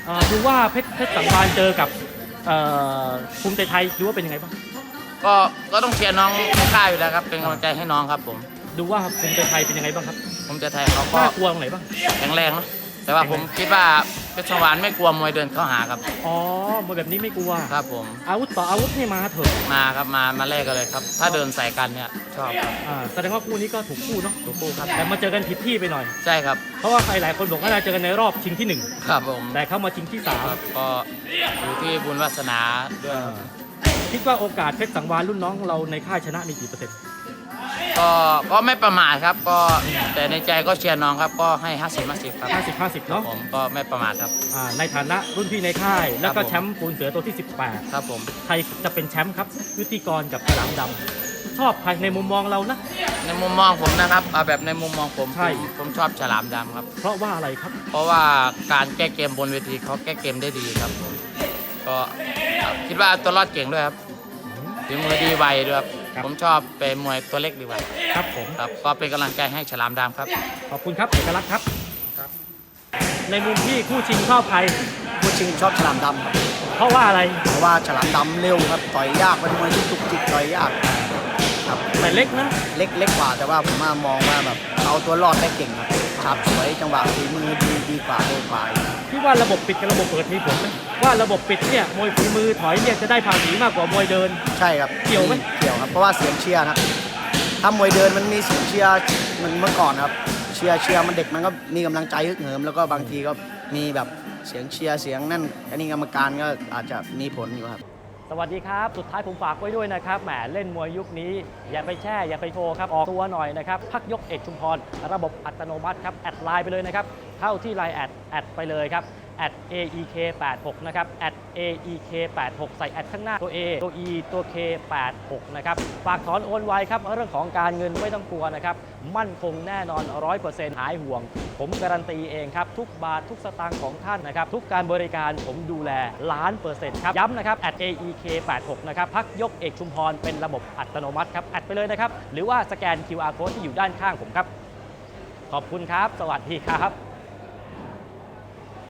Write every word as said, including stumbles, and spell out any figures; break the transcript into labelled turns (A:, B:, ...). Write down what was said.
A: เอ่อดูว่าเพชรเพชรสังวาลเจอกับเอ่อภูมิใจไทยดูว่าเป็นยังไงบ้าง
B: ก็ก็ต้องเชียร์น้องในค่ายอยู่แล้วครับเป็นกำลังใจให้น้องครับผม
A: ดูว่าภูมิใจไทยเป็นยังไงบ้างครับ
B: ภูมิใจไทยเขาก็
A: น่ากลัวตรงไหนบ้าง
B: แข็งแรงนะแต่ว่าผมคิดว่าเพชรสังวาลไม่กลัวมวยเดินเข้าหาครับ
A: อ๋อมวยแบบนี้ไม่กลัว
B: ครับผม
A: อาวุธต่ออาวุธนี่มาเถอะ
B: มาครับมามาแลกกันเลยครับถ้าเดินใส่กันเนี่ยชอบครับ
A: อ่าแสดงว่าคู่นี้ก็ถูกคู่เนาะ
B: ถูกคู่ครับ
A: แต่มาเจอกันผิดที่ไปหน่อย
B: ใช่ครับ
A: เพราะว่าใครหลายคนบอกว่าเราเจอกันในรอบชิงที่หนึ่ง
B: ครับผม
A: แต่เข้ามาชิงที่สาม
B: ก็อยู่ที่บุญวาสนาด้วย
A: คิดว่าโอกาสเพชรสังวาลรุ่นน้องเราในค่ายชนะมีกี่เปอร์เซ็นต์
B: ก็ก็ไม่ประมาทครับก็แต่ในใจก็เชียร์น้องครับก็ให้ห้าสิบห้าสิบครับ
A: ห้าสิบห้าสิบเนาะ
B: ผมก็ไม่ประมาทครับ
A: ในฐานะรุ่นพี่ในค่ายแล้วก็แชมป์ปูนเสือตัวที่สิบแปด
B: ครับผม
A: ใครจะเป็นแชมป์ครับยุติกรกับฉลามดำชอบใครในมุมมองเรานะ
B: ในมุมมองผมนะครับเอาแบบในมุมมองผม
A: ใช่
B: ผมชอบฉลามดำครับ
A: เพราะว่าอะไรครับ
B: เพราะว่าการแก้เกมบนเวทีเขาแก้เกมได้ดีครับก็คิดว่าตัวรอดเก่งด้วยครับถึงมือดีไวด้วยครับผมชอบเป็นมวยตัวเล็กดีกว่า
A: ครับผม
B: ครับก็เป็นกำลังใจให้ฉลามดำครับ
A: ขอบคุณครับเอกลักษณ์ครับในมุมที่คู่ชิงชอบใคร
C: คู่ชิงชอบฉลามดำครับ
A: เพราะว่าอะไร
C: เพราะว่าฉลามดำเร็วครับต่อยยากเป็นมวยที่ตุกจิกต่อยยากครับ
A: แต่เล็กนะ
C: เล็กเล็กกว่าแต่ว่าผมมามองว่าแบบเอาตัวรอดได้เก่งครับฉาบสวยจังหวะฝีมือดีดีกว่าเร็วกว่า
A: พี่ว่าระบบปิดกับระบบเปิดมีผลไหมว่าระบบปิดเนี่ยมวยฝีมือถอยเนี่ยจะได้ภาษีมากกว่ามวยเดิน
C: ใช่ครับ
A: เกี่ยวไหม
C: เกี่ยวครับเพราะว่าเสียงเชียร์นะถ้ามวยเดินมันมีเสียงเชียร์เหมือนเมื่อก่อนครับเชียร์เชียร์มันเด็กมันก็มีกำลังใจฮึกเหิมแล้วก็บางทีก็มีแบบเสียงเชียร์เสียงนั่นอันนี้กรรมการก็อาจจะมีผลอยู่ครับ
A: สวัสดีครับสุดท้ายผมฝากไว้ด้วยนะครับแหมเล่นมวยยุคนี้อย่าไปแช่อย่าไปโชว์ครับออกตัวหน่อยนะครับพักยกเอกชุมพรระบบอัตโนมัติครับแอดไลน์ไปเลยนะครับเข้าที่ไลน์แอดแอดไปเลยครับแอด เอ อี เค แปดหก นะครับแอด เอ อี เค แปดหก ใส่แอดข้างหน้าตัว A ตัว E ตัว เค แปดหก นะครับฝากถอนโอนไวครับเรื่องของการเงินไม่ต้องกลัวนะครับมั่นคงแน่นอน ร้อยเปอร์เซ็นต์ หายห่วงผมการันตีเองครับทุกบาททุกสตางค์ของท่านนะครับทุกการบริการผมดูแลล้านเปอร์เซ็นต์ครับย้ำนะครับ แอด เอ อี เค แปดหก นะครับพักยกเอกชุมพรเป็นระบบอัตโนมัติครับแอดไปเลยนะครับหรือว่าสแกน คิว อาร์ Code ที่อยู่ด้านข้างผมครับขอบคุณครับสวัสดีครับ